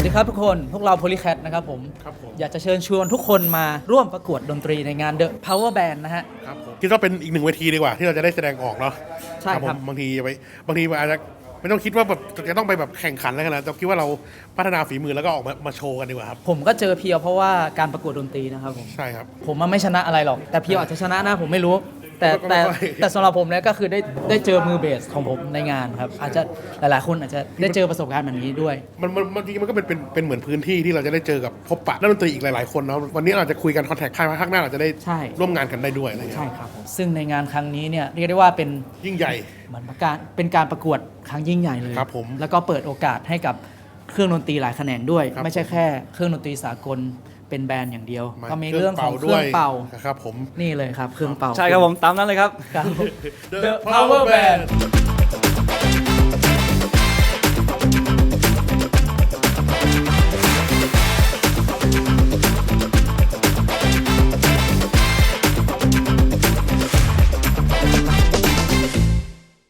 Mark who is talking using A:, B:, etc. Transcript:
A: ดีครับทุกคนพวกเรา Polycat นะครับผมอยากจะเชิญชวนทุกคนมาร่วมประกวดดนตรีในงาน The Power Band นะฮะ
B: ครับผมคิดว่าเป็นอีกหนึ่งเวทีดีกว่าที่เราจะได้แสดงออกเนาะ
A: ใช่ครับ
B: บางทีอาจจะไม่ต้องคิดว่าแบบจะต้องไปแบบแข่งขันอะไรขนาดนั้นแต่คิดว่าเราพัฒนาฝีมือแล้วก็ออกมาโชว์กันดีกว่าครับ
A: ผมก็เจอเพียวเพราะว่าการประกวดดนตรีนะครับผม
B: ใช่ครับ
A: ผมมันไม่ชนะอะไรหรอก แต่เพียวอาจจะชนะนะผมไม่รู้ แต่
B: ก็ไม่ค่อย
A: แต่สำหรับผมเนี่ยก็คือได้เจอมือเบสของผมในงานครับอาจจะหลายๆคนอาจจะได้เจอประสบการณ์แบบนี้ด้วย
B: บางทีมันก็เป็นเหมือนพื้นที่ที่เราจะได้เจอกับพบปะนักดนตรีอีกหลายๆคนเนาะวันนี้เราจะคุยกันคอนแทคภายภาคหน้าเราจะได้
A: ใช่
B: ร่วมงานกันได้ด้วยอะไรเงี้ย
A: ใช่ครับผมซึ่งในงานครั้งนี้เนี่ยเรียกได้ว่าเป็น
B: ยิ่งใหญ่
A: เหมือนเป็นการประกวดครั้งยิ่งใหญ่เลย
B: ครับผม
A: แล้วก็เปิดโอกาสให้กับเครื่องดนตรีหลายแขนงด้วย
B: ครับ
A: ไม่ใช่แค่เครื่องดนตรีสากลเป็นแบรนด์อย่างเดียว
B: มา
A: ก็มีเรื่องของเครื่องเป่า
B: ครับผม
A: นี่เลยครับเครื่องเป่า
C: ใช่ครับผมตามนั้นเลยครับ
A: ครับ
B: The Power Band